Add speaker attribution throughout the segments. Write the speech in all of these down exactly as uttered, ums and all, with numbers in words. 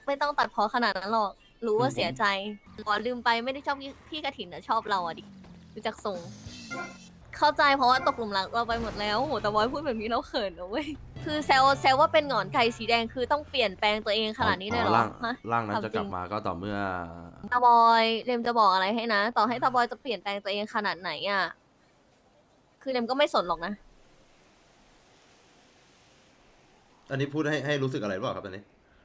Speaker 1: ไม่ต้องตัดเพอขนาดนั้นหรอกรู้ว่าเสียใจอ๋อลืมไปไม่ได้ชอบพี่พี่กระถินนะชอบเราอะดิดูจากทรงเข้าใจเพราะว่าตกหลุมรักเราไปหมดแล้วโหแต่บอยพูดแบบนี้เราเขินนะเว้ยคือแซวแซวว่าเป็นหงอนไก่สีแดงคือต้องเปลี่ยนแปลงตัวเองขนาดนี้เลยเหรอ
Speaker 2: ร่าง
Speaker 1: ฮะ
Speaker 2: ร่างนั้นจะ
Speaker 1: ถามจริง
Speaker 2: กลับมาก็ต่อเมื่อ
Speaker 1: ตาบอยเรมจะบอกอะไรให้นะ ต่อให้ตาบอยจะเปลี่ยนแปลงตัวเองขนาดไหนอ่ะ คือเรมก็ไม่สนหรอกนะ
Speaker 2: อันนี้พูดให้ให้รู้สึกอะไรหรือเปล่าครับอันนี้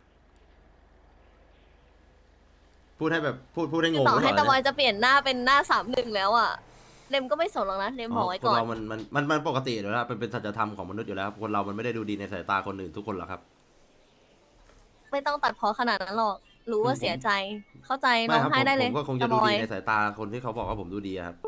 Speaker 2: พูดให้แบบพูดพูดให้งง
Speaker 1: ต่อ
Speaker 2: หรือเป
Speaker 1: ให้
Speaker 2: ล่า
Speaker 1: ตาบอย
Speaker 2: เนี่ย
Speaker 1: จะเปลี่ยนหน้าเป็นหน้าสามหนึ่งแล้วอ่ะเรมก็ไม่สนหรอกนะเรมบอกไว้
Speaker 2: ค
Speaker 1: ก่
Speaker 2: น
Speaker 1: อน
Speaker 2: เรามันมันมันมันปกติอยู่แล้วเป็นเป็นสัจธรรมของมนุษย์อยู่แล้วคนเรามันไม่ได้ดูดีในสายตาคนอื่นทุกคนหรอกครับ
Speaker 1: ไม่ต้องตัดเพอขนาดนั้นหรอก รู้ว่าเสียใจ เข้าใจ
Speaker 2: ไม่
Speaker 1: ร้อง
Speaker 2: ครับ
Speaker 1: ไห้
Speaker 2: ผม
Speaker 1: ได้เล
Speaker 2: ผ
Speaker 1: ย
Speaker 2: มก็คง
Speaker 1: ตา
Speaker 2: จะ
Speaker 1: บ
Speaker 2: ดู
Speaker 1: อ
Speaker 2: ดี
Speaker 1: ย
Speaker 2: ในสายตาคนที่เขาบอกว่าผมดูดีอะครับ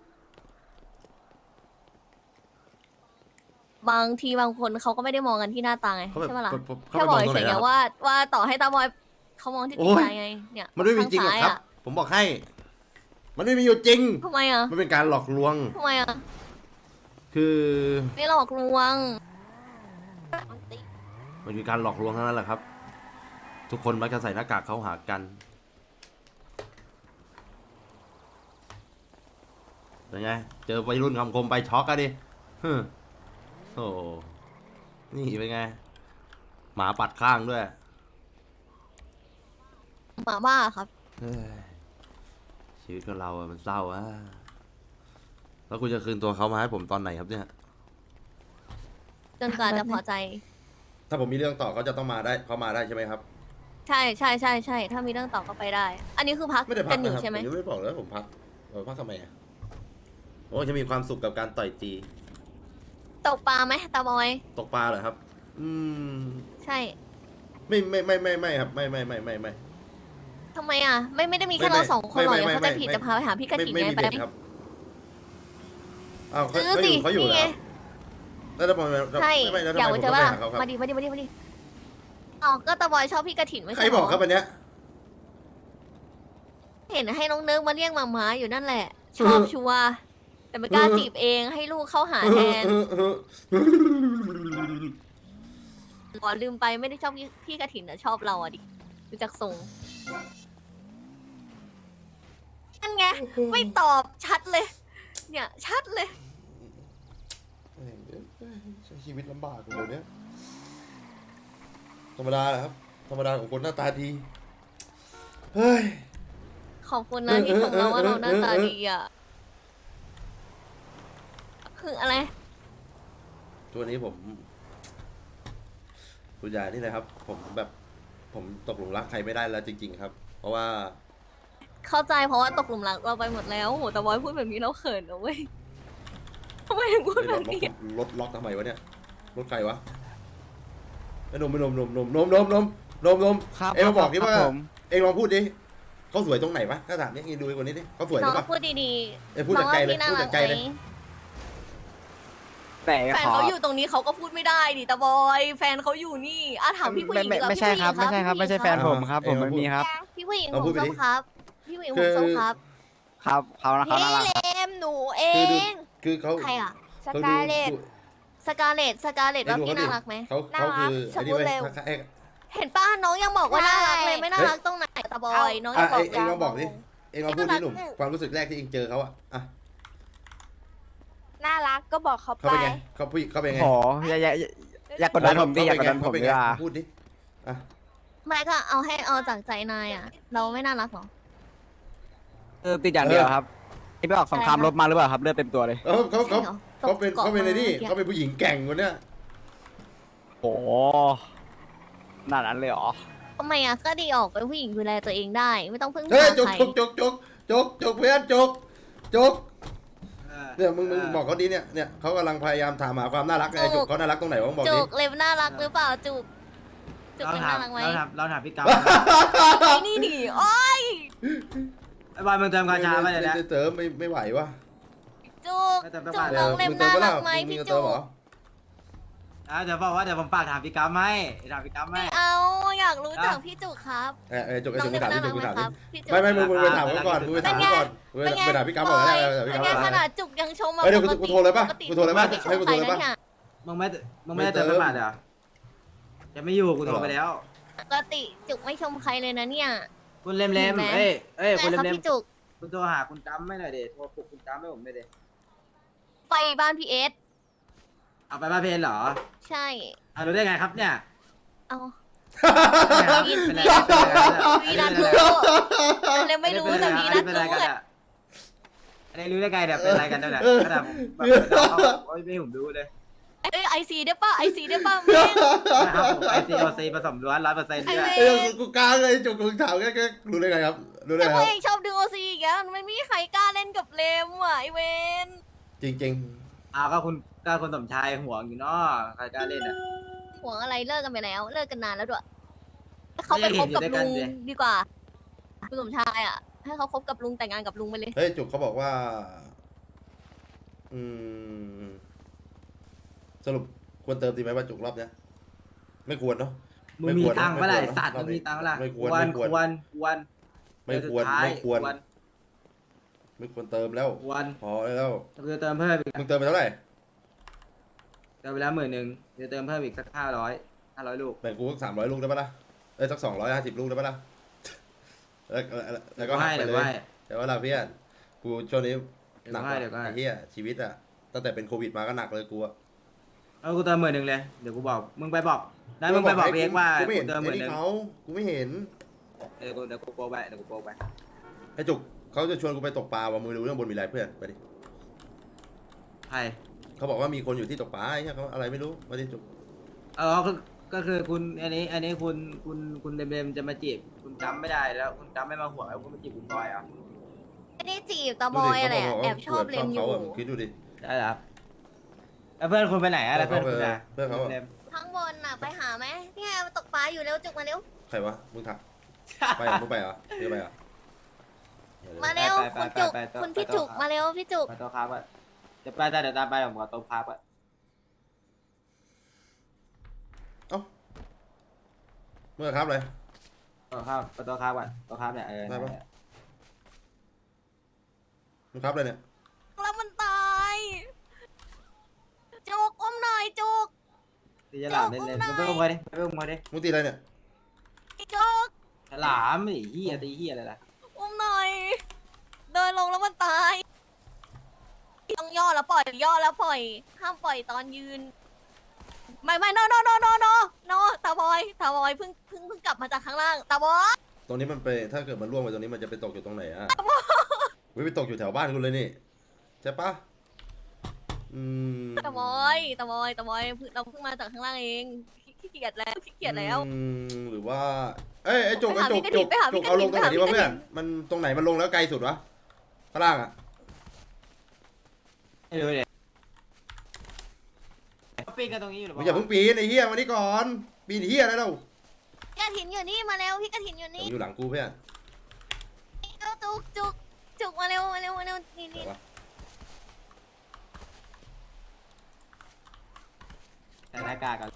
Speaker 1: บางทีบางคนเขาก็ไม่ได้มองกันที่หน้าตาไง
Speaker 2: เขาแบบ
Speaker 1: ใช่ปะล่ะ
Speaker 2: เขาเขา
Speaker 1: แค่บอก
Speaker 2: ไปมองตรงไหน
Speaker 1: เฉยๆไง
Speaker 2: อะ
Speaker 1: ว่าว่าต่อให้ตาบอยเขามองที่
Speaker 2: โอ้
Speaker 1: จิต
Speaker 2: ย
Speaker 1: ใจไง เนี่ย
Speaker 2: มันไม่มีจริงหรอก
Speaker 1: ข้า
Speaker 2: ครับ
Speaker 1: ซ้ายะ
Speaker 2: ผมบอกให้ มันไม่มีอยู่จริง
Speaker 1: ทำไมอ่ะ
Speaker 2: มันเป็นการหลอกลวง
Speaker 1: ทำไมอ่ะ
Speaker 2: คือ
Speaker 1: ไม่หลอกลวง
Speaker 2: มันคือการหลอกลวงทั้งนั้นแหละครับ ทุกคนมักจะใส่หน้ากากเข้าหากันเป็นไง เจอวัยรุ่นคำคมไปช็อกอะดิฮึโอ้นี่เป็นไง หมาปัดข้างด้วย
Speaker 1: หมาบ้าครับ
Speaker 2: เฮ้ยชีวิตของเราอะมันเศร้าอะแล้วคุณจะคืนตัวเขามาให้ผมตอนไหนครับเนี่ย
Speaker 1: จนกว่าจะพอใจ
Speaker 2: ถ้าผมมีเรื่องต่อเขาจะต้องมาได้เขามาได้ใช่ไหมครับ
Speaker 1: ใช่ใช่ใช่ใช่ถ้ามีเรื่องต่อก็ไปได้ อันนี้คือพัก
Speaker 2: ไม่ได้พั
Speaker 1: กั
Speaker 2: ก
Speaker 1: นอยู่
Speaker 2: นะครับ
Speaker 1: ใช่ไหม
Speaker 2: ผมยังไม่ได้บอกเลยว่าผมพักเออพักทำไมอ่ะโอ้จะมีความสุขกับการต่อยตี
Speaker 1: ตกปลาไหมตาบอย
Speaker 2: ตกปลาเหรอครับ อืม
Speaker 1: ใช่
Speaker 2: ไม่ไม่ไม่ไม่ไม่ครับ ไม่ไม่ไม่ไม่ไม่
Speaker 1: ทำไมอ่ะ ไม่ไม่ได้มีแค่
Speaker 2: ไม่
Speaker 1: เราสองคนหรอก
Speaker 2: ไม่
Speaker 1: เดี๋ยว
Speaker 2: ไม่
Speaker 1: เขาจะ
Speaker 2: ไม่
Speaker 1: ผิด
Speaker 2: ไม่
Speaker 1: จะพาไปหาพี่กระ
Speaker 2: ไม่
Speaker 1: ถิ่น
Speaker 2: ไม่
Speaker 1: ไง
Speaker 2: มี
Speaker 1: ไป
Speaker 2: เด็ดครับอ้าวเขา
Speaker 1: ซื้อ
Speaker 2: เขาอ
Speaker 1: สิ
Speaker 2: ยู่เขาอยู่
Speaker 1: นี่
Speaker 2: เหร
Speaker 1: ไง
Speaker 2: อแล้วทำไมแล้ว
Speaker 1: ใช่
Speaker 2: ไม่แล้วทำ
Speaker 1: อยาก
Speaker 2: ไม
Speaker 1: ไป
Speaker 2: ผม
Speaker 1: เจ
Speaker 2: ต้
Speaker 1: อ
Speaker 2: องไป
Speaker 1: ป่ะ
Speaker 2: หาเขาครับ
Speaker 1: มาดิมาดิมาดิมาดิอ๋อก็ตาบอยชอบพี่กระถิ่นไม่
Speaker 2: ใคร
Speaker 1: ใช่เห
Speaker 2: บ
Speaker 1: ร
Speaker 2: อกครับอันเนี้ย
Speaker 1: เห็นให้น้องเนิร์กมาเรียกหมาม้าอยู่นั่นแหละ ชอบชัวร์แต่ไม่กล้าจีบเองให้ลูกเข้าหาแทนอ๋อลืมไปไม่ได้ชอบพี่พี่กระถิ่นนะชอบเราอะดิดูจากทรงนั่นไงไม่ตอบชัดเลย เนี่ยชัดเลย
Speaker 2: ใช้ชีวิตลำบากเดี๋ยวนี้ธรรมดาแหละครับ ธรรมดาของคนหน้าตาดี เฮ้ย
Speaker 1: ขอบคุณนะที่ชมเราว่าเราหน้าตาดีอ่ะคืออะไร
Speaker 2: ตัวนี้ผมคุณยายนี่นะครับ ผมแบบ ผมตกหลุมรักใครไม่ได้แล้วจริง ๆ ครับ เพราะว่า
Speaker 1: เข้าใจเพราะว่าตกหลุมรักเราไปหมดแล้วโหแต่บอยพูดแบบนี้เราเขินนะเว้ยทำไมถึงพูด
Speaker 2: เฮ้ย
Speaker 1: แบ
Speaker 2: ร
Speaker 1: บ
Speaker 2: ถล็อก
Speaker 1: นี้
Speaker 2: รถล็อกทำไมวะเนี่ย รถใครวะไอ้นมไอ้นมนมนมนมนมนมนมนม
Speaker 3: ครับ
Speaker 2: เอ็งมาบอกดิ
Speaker 3: ครับ
Speaker 2: ว่า
Speaker 3: ผม
Speaker 2: เอ็งลองพูดดิเขาสวยตรงไหนวะถ้าถามเนี่ยเอ็งดูไอ้คนนี้ดิเขาสวยห
Speaker 1: น้
Speaker 2: รือ อง เปล่า
Speaker 1: พูดดี
Speaker 2: เอ้ยพูด
Speaker 1: ๆน้อง
Speaker 2: จากใจ
Speaker 1: ว่า
Speaker 2: เลย
Speaker 1: พี่น่า
Speaker 2: พูด
Speaker 1: รั
Speaker 2: จาก กใจ
Speaker 1: ไหม
Speaker 2: เลย
Speaker 3: แต่
Speaker 1: แฟน
Speaker 3: ขอ
Speaker 1: เขาอยู่ตรงนี้เขาก็พูดไม่ได้ดิตาบอยแฟนเขาอยู่นี่อ่ะถามพี่ผู้ห
Speaker 3: ไม่
Speaker 1: ญิง
Speaker 3: ไม่
Speaker 1: ดีกว่า
Speaker 3: ไม่ใช่ครับ
Speaker 1: พี่
Speaker 3: ไม่
Speaker 1: ผู้หญิง
Speaker 3: ใช่ครับไม่ใช่แฟนผมครับ ผมไม่มีครับ
Speaker 1: พี่ผู้หญิง
Speaker 2: เอา
Speaker 1: ผ
Speaker 2: พู
Speaker 1: ม
Speaker 2: ดไป
Speaker 1: ส้
Speaker 2: ดิ
Speaker 1: มครับ พี่ผู้หญิง
Speaker 2: คื
Speaker 1: ผม
Speaker 2: อ
Speaker 1: ส้มครับ
Speaker 3: ครับเขานะเขา
Speaker 1: พี่
Speaker 3: น่ารัก
Speaker 1: เล
Speaker 3: ครับ
Speaker 1: มหนูเอ
Speaker 2: คือดู
Speaker 1: ง
Speaker 2: คือเขา
Speaker 1: ใครอ่ะ
Speaker 4: ส
Speaker 2: เขา
Speaker 4: กา
Speaker 2: ดู
Speaker 4: เลต
Speaker 2: ดู
Speaker 1: สกาเลตสกาเลต
Speaker 2: ให้
Speaker 1: ว่า
Speaker 2: ดู
Speaker 1: พี่
Speaker 2: เขาดิ
Speaker 1: น่ารักไหม
Speaker 2: เขาเขาคือ
Speaker 1: น่ารัก
Speaker 2: ไอ้นี่เว้ย
Speaker 1: สมมุติเร็ว
Speaker 2: เขาเอ็ง
Speaker 1: เห็นป้าน้องยังบอกว่าน่ารักเลยไม่น่า
Speaker 2: เฮ้ย
Speaker 1: รักตรงไหนตาบอยน้องยั
Speaker 2: อ่ะ
Speaker 1: งบอก
Speaker 2: เอ็งเอ็งลองบอกดิ
Speaker 1: ยัง
Speaker 2: เอ็งลองพูดดิหนุ่มความรู้สึกแรกที่เอ็งเจอเขาอะอ่ะ
Speaker 4: น่ารักก็บอกเขา
Speaker 2: เขา
Speaker 4: ไป
Speaker 2: เป็นไงเขาผู้หญิงเขาเป็นไง
Speaker 3: โอ้อย่าอย่าอย่าอย่ากดดันผมดิอย่ากดดันผม
Speaker 2: เขาเป็น
Speaker 3: ดี
Speaker 2: ไง
Speaker 3: กว่า
Speaker 2: พูดดิอ่ะ
Speaker 1: ไม่ก็เอาให้เอาจากใจนายอ่ะ เราไม่น่ารักหรอ
Speaker 3: เออติดอย่างเดียวครับนี่ไปออกสงครามรบมาหรือเปล่าครับเลือดเต็มตัวเลย
Speaker 2: เออเขาเขา
Speaker 1: ใช่หรอ
Speaker 2: เขาเป็น
Speaker 1: ตก
Speaker 2: เขาเป็นไอ้นี่
Speaker 1: เกาะมา
Speaker 2: เขาเป็นผู้หญิงแกร่งคนเนี้ย
Speaker 3: โอ้ขนาดนั้นเลยเหรอ
Speaker 1: ทำไมอ่ะก็ดีออกเป็นผู้หญิงดูแลตัวเองได้ ไม่ต้องพึ่ง
Speaker 2: เฮ้ย
Speaker 1: พา
Speaker 2: จก
Speaker 1: ใคร
Speaker 2: จกจกจกจกจกเพื่อนจกจกเนี่ยมึงมึงบอกเขาดิเนี่ยเนี่ยเขากำลังพยายามถามหาความน่ารักไงจกเขาน่ารักตรงไหนวะบอก
Speaker 1: จุ
Speaker 2: ดิ
Speaker 1: กเล็บน่ารักหรือเปล่าจุกจุก
Speaker 5: เรา
Speaker 1: เป็น
Speaker 5: ถาม
Speaker 1: น่ารักไหม
Speaker 5: เราถามเราถามพี่กาว
Speaker 1: ไอ้นี่ดิโอ้ย
Speaker 5: ไอ้บอยมึงเติมกาชาไปเลยนะ
Speaker 2: เติมไม่ไม่ไหววะ
Speaker 1: จุก
Speaker 5: ไม่เติมน้ำ
Speaker 1: จุ
Speaker 5: ตาก ล
Speaker 1: น้องเล็บ
Speaker 2: มึงเติ
Speaker 1: น่าม
Speaker 2: ปะ
Speaker 1: รั
Speaker 2: ล่ะ
Speaker 1: กไหม
Speaker 2: มึง
Speaker 1: พี่
Speaker 2: จะ
Speaker 1: จุ
Speaker 2: เติม
Speaker 1: ก
Speaker 2: เหรอ
Speaker 5: อ่ะเดี๋ยวบอกว่าเดี๋ยวผมฝากถามพี่กาวไหมถามพี่กาวไหม
Speaker 1: ไม่เอาอยากรู้จักพี่จุกครับ
Speaker 2: เออเออจกไอ้
Speaker 1: น้อ
Speaker 2: สิ่
Speaker 1: ง
Speaker 2: ง
Speaker 1: เล็
Speaker 2: มึ
Speaker 1: บ
Speaker 2: งถาม
Speaker 1: น่า
Speaker 2: ที่
Speaker 1: รั
Speaker 2: จ
Speaker 1: ก
Speaker 2: ก
Speaker 1: ไห
Speaker 2: มึ
Speaker 1: ม
Speaker 2: งถามดิ
Speaker 1: ครับพี่จุก
Speaker 2: ไม่ไม่มึงมึงไปถามเขาก่อนมึงไปถามเขาก่อนมึงไปถามพี่กั๊บก่อนก็ได้เดี๋ยวพี่
Speaker 1: เป็น
Speaker 2: กั๊บ
Speaker 1: ไง
Speaker 2: มา
Speaker 1: ขนาดจุกยังชมมา
Speaker 2: เฮ้ยเดี๋ยว
Speaker 1: ป
Speaker 2: กูโทรเลยปะ
Speaker 1: ปติ
Speaker 2: กูโทรเลยปะ
Speaker 1: ไม่ช
Speaker 2: ให้
Speaker 1: ม
Speaker 2: กู
Speaker 1: ใค
Speaker 2: โท
Speaker 1: ร
Speaker 2: รเลยปะ
Speaker 1: นะเนี่ย
Speaker 5: มึงไม่มึงไม่ได้เติมน้ำตาลเหรอจะไม่อยู่กูโทรไปแล้ว
Speaker 1: ปกติจุกไม่ชมใครเลยนะเนี่ย
Speaker 5: คุณเลมเลม
Speaker 1: เห็นไหม
Speaker 5: เอ้ยเอ้ย
Speaker 1: ไง
Speaker 5: คุณเล
Speaker 1: ครั
Speaker 5: ม
Speaker 1: บ
Speaker 5: เลม
Speaker 1: พี่จุก
Speaker 5: คุณโทรหาคุณจำไม่หน่อยเดโทรปลุกคุณจำให้ผมไม่อยเด
Speaker 1: ไฟบ้านพี่เอส
Speaker 5: เอาไปบ้านเพนเหรอ
Speaker 1: ใช่
Speaker 5: เอารู้ได้ไงครับเนี่ย
Speaker 1: เอา
Speaker 5: เป็นไรเป็นไร
Speaker 1: วีนัทรู้เลยไม่รู้แต่วีนัท
Speaker 5: เป็นไร
Speaker 1: รู้
Speaker 5: กัน
Speaker 1: อะ
Speaker 5: อะอันนี้รู้ได้ไงเนี่ยเป็นไรกันเนี่ยขนาดผมแบบโอ้ยไม่ให้ผมดูเลย
Speaker 1: เอ้ยไอซีได้ป่ะไอซีได้ป่ะแม่ง
Speaker 5: นะครับผมไอซีโอซีผสมล้วนร้อยเปอร์เซ็นต์
Speaker 1: ไอ
Speaker 5: เนี่ย
Speaker 1: เว
Speaker 2: เอ้ย
Speaker 1: น
Speaker 2: กูกล้าเลยจุกกูถามแค่แค่รู้ได้ไงครับ รู้ได้
Speaker 1: แต่
Speaker 2: ไง
Speaker 1: พ
Speaker 2: คว รับ
Speaker 1: กเองชอบดูโอซีอีกแล้วมันไม่มีใครกล้าเล่นกับเลมว่ะไอเวน
Speaker 2: จริง
Speaker 5: อ้าวก็คุณก็คุณสมชายห่วงอยู่เนาะใครกล้าเล่นอ่ะ
Speaker 1: ห่วงอะไรเลิกกันไปแล้ว เลิกกันนานแล้วด้วยให้เขาไปคบกับ
Speaker 5: ไม่ได้เห็นอยู่ด้วยกั
Speaker 1: ลุ
Speaker 5: น
Speaker 1: ง
Speaker 5: สิ
Speaker 1: ดีกว่าคุณสมชายอ่ะ ให้เขาคบกับลุงแต่งงานกับลุงไปเลย
Speaker 2: ๆ เฮ้ยจุกเขาบอกว่า อืม สรุปควรเติมดีไหมว่าจุกรอบเนี้ยไม่ควรเนาะ
Speaker 5: มึงมีตังค์เมื่อไหร่
Speaker 2: ไม่ควร
Speaker 5: สัตว์
Speaker 2: ไม่
Speaker 5: มึ
Speaker 2: ควร
Speaker 5: งมีตังค์เมื่อไหร่
Speaker 2: ไม่คว
Speaker 5: คว
Speaker 2: ร
Speaker 5: ร
Speaker 2: ไม่ควร
Speaker 5: ควรควร
Speaker 2: ไม่ควร
Speaker 5: เดือนสุดท้าย
Speaker 2: ไม่ควร
Speaker 5: ควร
Speaker 2: ไม่ควรเติมแล้ว
Speaker 5: ควร
Speaker 2: พอแล้ว
Speaker 5: จะเติมเพิ่มอีก
Speaker 2: มึงเติมไปเท่าไหร่
Speaker 5: เติมไปแล้วหมื่นหนึ่งจะเติมเพิ่มอีกสักห้าร้อยห้าร้อยลูก
Speaker 2: แบ่งกูสักสามร้อยลูกได้ปะล่ะเอ้ยสักสองร้อยห้าสิบลูกได้ปะล่ะแล้วแล้วแล้วก็หัก
Speaker 5: ให้
Speaker 2: ไป
Speaker 5: เดี๋ยว
Speaker 2: เล
Speaker 5: ให้
Speaker 2: ยแต่ว่าเราเพื่อนกูช่วงนี้หนัก
Speaker 5: เดี๋ยวก็ให้
Speaker 2: ไอ้เหี้ยชีวิตอะตั้งแต่เป็นโควิดมาก็หนักเลยกูอะ
Speaker 5: เอากูเติมหมื่นหนึ่งเลยเดี๋ยวกูบอกมึงไปบอกได้มึงไปบอกเองว่า
Speaker 2: กูไม่
Speaker 5: กู
Speaker 2: เห็น
Speaker 5: เติมห
Speaker 2: ไอ้
Speaker 5: มื่นห
Speaker 2: นี่
Speaker 5: นึ่ง
Speaker 2: เขากูไม่เห็น
Speaker 5: เดี๋ยวกูเดี๋ยวกูโปรไปเดี๋ยวกูโปรไป
Speaker 2: ไอ้จุกเขาจะชวนกูไปตกปลาว่ะมึงรู้เรื่องบนมีอะไรเพื่อนไปดิ
Speaker 5: ใคร
Speaker 2: เขาบอกว่ามีคนอยู่ที่ตกปลาไอ้เหี้ยเขาอะไรไม่รู้มาดิจุก
Speaker 5: เออก็ก็คือคุณอันนี้อันนี้คุณคุณคุณเดมเดมจะมาจีบคุณจำไม่ได้แล้วคุณจำไม่มาห่วงแล้วคุณมาจีบคุณบอยอ่ะ
Speaker 1: ไม่ได้จีบตาบอยอะไรอะแอบชอบเลมอยู่
Speaker 2: เขาอะคิดดูดิ
Speaker 5: ได้ครับแล้วเพื่อนคุณไปไหนอะแล้วเพื่อนคุณอะ
Speaker 2: เพื่อนเขาอะ
Speaker 5: ดม
Speaker 1: ข้างบนน่ะไปหาไหมเนี่ยมาตกปลาอยู่เร็วจุกมาเร็ว
Speaker 2: ใครวะมึงถักไปเหรอมึงไปเหรอมึงไปเหรอ
Speaker 1: มาเร็วคุณจุกคุณพี่จุกมาเร็วพี่จุก
Speaker 5: ไปโต๊ะครับอะเดี๋ยวไปแต่เดี๋ยวตามไปผมขอโต๊ะครับอะ
Speaker 2: เอ้าเมื่อครับเลย
Speaker 5: โต๊ะครับไปโต๊ะครับก่อนโต๊ะครับเนี่ยเออ
Speaker 2: ได้ปะ มึงครับเลยเนี่ย
Speaker 1: แล้วมันตายจุกอุ้มหน่อยจุก
Speaker 5: ตีฉลามเล่นๆไปอุ้มมาดิไปอุ้มมาดิ
Speaker 2: มึงตีอะไรเนี่ย
Speaker 1: จุก
Speaker 5: ฉลามไอ้เหี้ยตีเหี้ยอะไรล่ะ
Speaker 1: อุ้มหน่อย เดินลงแล้วมันตายต้องย่อแล้วปล่อยย่อแล้วปล่อย ห้ามปล่อยตอนยืน ไม่ไม่ no no no no no no ตาบอยตาบอยเพิ่งเพิ่งเพิ่งกลับมาจากข้างล่างตาบอย
Speaker 2: ตรงนี้มันไปถ้าเกิดมันร่วงไปตรงนี้มันจะไปตกอยู่ตรงไหนอ่ะวิไปตกอยู่แถวบ้านกูเลยนี่ใช่ปะอืม
Speaker 1: ตาบอยตาบอยตาบอยเราเพิ่งมาจากข้างล่างเองขี้เกียจแล้วขี้เกียจแล้ว
Speaker 2: อืมหรือว่า เอ้ยไอ้จุกไอ้จุก
Speaker 1: ไป
Speaker 2: จุก
Speaker 1: หาพี่
Speaker 2: จุก
Speaker 1: กระ
Speaker 2: เอา
Speaker 1: ถิ่
Speaker 2: ลง
Speaker 1: น
Speaker 2: ตรงไหน
Speaker 1: ไปหา
Speaker 2: ดีวะ
Speaker 1: พี่กระถิ่น
Speaker 2: เพื่อน มันตรงไหนมันลงแล้วไกลสุดวะข้างล่างอ่ะ
Speaker 5: ไม่รู้เลยปีนกันตรงนี้อยู่หรือเป
Speaker 2: มึง
Speaker 5: ล่า
Speaker 2: อย่าเพิ่งปีนไอ้เหี้ยมานี่ก่อนปีนเหี้ยอะไรเล่า
Speaker 1: พี่กระถินอยู่นี่มาเร็วพี่กระถินอยู่
Speaker 2: เดี๋ยว
Speaker 1: นี่
Speaker 2: มึงอยู่หลังกูเพื่อน
Speaker 1: จุกจุกจุกมาเร็วมาเร็วมาเร็วนี่
Speaker 2: เดี๋
Speaker 1: นี่
Speaker 2: ยววะ
Speaker 5: ใส่หน้ากากกัน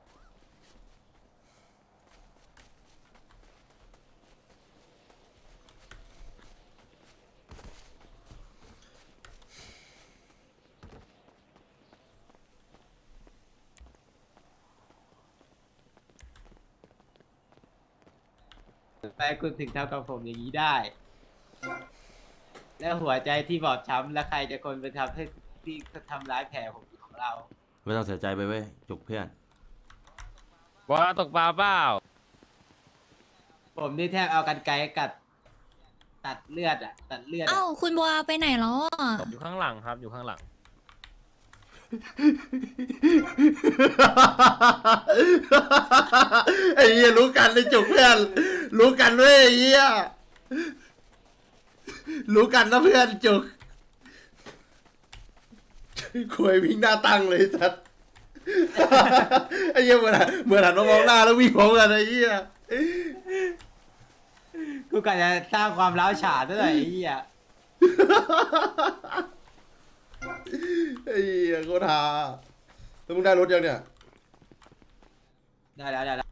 Speaker 5: ไปคุณถึงทำกับผมอย่างนี้ได้ แล้วหัวใจที่บอบช้ำแล้วใครจะคนไปทำให้ที่ทำร้ายแผลผมของเรา
Speaker 2: ไม่ต้องเสียใจไปเว้ยจุกเพื่อน
Speaker 4: ว่าตกปลาเปล่า
Speaker 5: ผมนี่แทบเอากันไกรกัด ตัดเลือดอ่ะ ตัดเลือด
Speaker 6: เอ้า
Speaker 5: อะ
Speaker 6: คุณบัวไปไหนแล้วอ่ะ
Speaker 4: อยู่ข้างหลังครับ อยู่ข้างหลัง
Speaker 2: ไอ้เหี้ยรู้กันเลยจุกเพื่อนรู้กันเว้ยไอ้เหี้ยรู้กันนะเพื่อนจุกคุยวิ่งหน้าตั้งเลยสัสไอ้เหี้ยเหมือนเหมือนหันมามองหน้าแล้ววิ่งพร้อมกันไอ้เหี้ย
Speaker 5: กูกะจะสร้างความร้าวฉานซะหน่อยไอ้เหี้ย
Speaker 2: ไอ้เหี้ยโคตรฮาแล้วมึงได้รถยังเนี่ย
Speaker 5: ได้แล้วได้แล้ว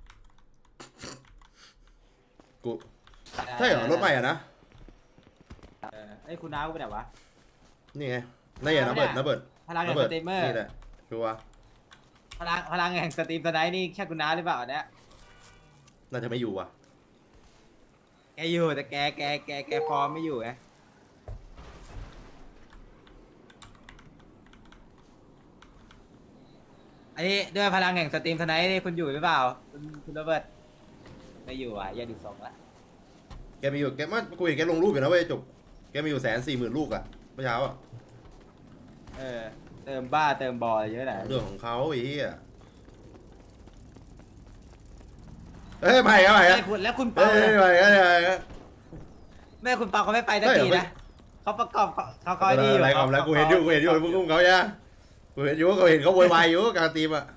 Speaker 2: กูใช่เหรอรถใหม่อ่ะนะ
Speaker 5: เออไอ้ยคุณน้ากูไปไหนวะ
Speaker 2: นี่ไงนี่ไงนะเบิร์ดนะเบิร์ด
Speaker 5: พลังแห่
Speaker 2: นะ
Speaker 5: ง
Speaker 2: เบิ
Speaker 5: ส
Speaker 2: ร์ด
Speaker 5: ตรีมเมอร์
Speaker 2: นี่แหละชัวร์
Speaker 5: พลังพลังแห่งสตรีมสไนท์นี่แค่คุณน้าหรือเปล่าเนี่ย
Speaker 2: น่าจะไม่อยู่ว่ะ
Speaker 5: แกอยู่แต่แกแกแกแกฟอร์มไม่อยู่ไงอันนี้ด้วยพลังแห่งสตรีมทนายนี่คุณอยู่หรือเปล่าคุณคุณโรเบิร์ตไม่อยู่อ่ะอย่าดูสองละ
Speaker 2: แกมีอยู่แกมันกูเห็นแกลงรูปอยู่นะเว้ยจุกแกมีอยู่แสนสี่หมื่นลูกอะเมื่อเช้าอะ
Speaker 5: เออเติมบ้าเติมบอลเยอะหน่อย
Speaker 2: เรื่องของเขาไอ้เหี้ยเอ้ยใหม่อะใหม่อะ
Speaker 5: ไม่คุณแล้วคุณ
Speaker 2: เอ้
Speaker 5: เปาย
Speaker 2: ใหม่อะใหม่อะ
Speaker 5: แม่คุณเปาเขาไม่ไปสักทีนะเขาประกอบเขาเขาเขา
Speaker 2: อะไร
Speaker 5: ดีอยู่
Speaker 2: อะไรกับแล้วกูเห็นอยู่กูเห็นอยู่มึงกุ้งเขาเนี่ยกูเห็นอยู่กูเห็นเขาโวยวายอยู่กลางทีมอะ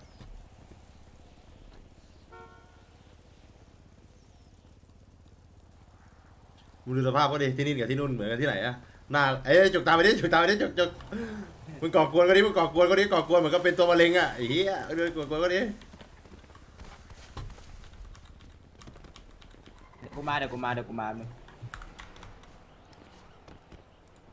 Speaker 2: มึงดูสภาพก็ดิที่นี่กับที่นู่นเหมือนกันที่ไหนอะหน้าเอ้ยจุกตามไปดิจุกตามไปดิจุกจุกมึงก่อกวนก็ดิมึงก่อกวนก็ดิก่อกวนเหมือนก็เป็นตัวมะเร็งอะไอ้เหี้ยเดินก่อกวนก็ดิ
Speaker 5: เดี๋ยวกูมาเดี๋ยวกูมาเดี๋ยวกูมามึง